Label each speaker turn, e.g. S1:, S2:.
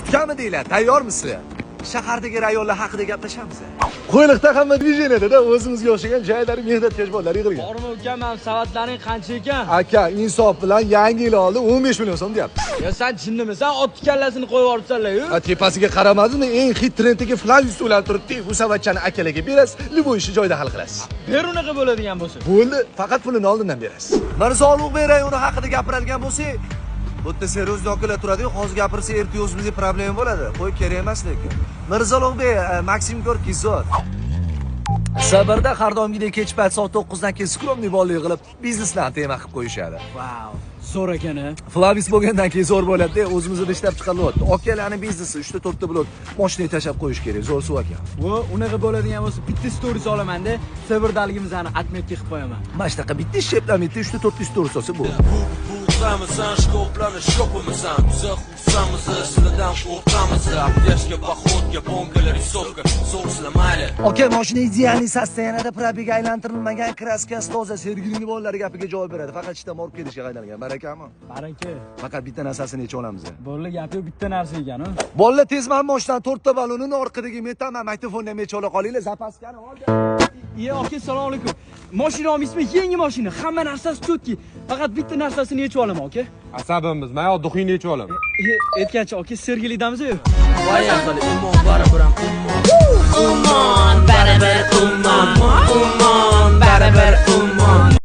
S1: Kutganmi deylar, tayyormisiz? Shahardagi rayonlar haqida gaplashamiz.
S2: Qo'yliqda hamma dvijeniyada o'zimizga o'xshagan joylari mehnatkash bolalar yig'ilgan.
S3: Bormi ukam, ham savatlaring qancha ekan?
S2: Aka, insof bilan yangi yil oldi 15 million so'm deyapti.
S3: Ya sen chinnimisan? Ot kallasini qo'yib yuboribsanlar-ku.
S2: Tepasiga qaramadingmi? Eng hit trenddagi flavis ular turibdi. Bu savatchani akalarga berasiz, liboy ishni joyida hal qilasiz.
S3: Ber unaqa bo'ladigan bo'lsa.
S2: Bo'ldi, faqat pulini oldindan berasiz.
S1: Mirzo Ulug'bek rayoni haqida gapiradigan bo'lsak, bu yerda seriozli okalar turadi-yu, hozir gapirsa ertaga o'zimizga problem bo'ladi. Qo'y kerak emas lekin. Mirzo Ulug'bek, Maksim Gorkiy zot. Sabrda har doimgidek kech payt soat 9 dan keyin skromniy bollik qilib, bizneslarni tema qilib qo'yishadi.
S3: Wow, zo'r ekan-a.
S1: Flavis bo'lgandan keyin zo'r bo'ladi-da, o'zimizda ishlab chiqarilyapti. Okalarning biznesi 3 ta 4 ta bo'ladi. Mashinaga tashab qo'yish kerak, zo'r suv ekan.
S3: Vo, unaqa bo'ladigan bo'lsa, bitta stories olaman-da, Sevirdaligimizni atmetga qilib qo'yaman.
S1: Mana shunaqa bitta sheplamida 3 ta 4 ta stories olsa bo'ladi.
S4: Qamisan, shkoplarni shopimisan, zaxusamiz, sizlardan qo'rqamiz, apteshka, poxodga, bonkalar, risovka, so'slar mayli.
S1: Oka, mashina idealniy sostoyaniyada probega aylantirilmagan, kraskasi toza, Sergeyning bolalari gapiga javob beradi. Faqat ishdan olib kelishga qaydalgan. Barakami?
S3: Baraka.
S1: Faqat bitta narsasini yechib olamiz.
S3: Bo'ldi, gapi bitta narsa ekan-ku.
S1: Bolalar tezman mashinadan 4 ta balonini orqadagi metal magnitofonni ham yechib ola qolinglar, zapaskani oldi.
S3: Ye, aka, assalomu alaykum. Mashina olmaysizmi? Yangi mashina, hamma narsasi chotki. Faqat bitta narsasini yechib olaman, aka.
S5: Asabimiz, men yoq duxingni yechib olaman.
S3: Aytgancha, aka, Sergeylikdamiz-ku?
S4: Voy ahli, umon baribir ham umon baribir umon baribir umon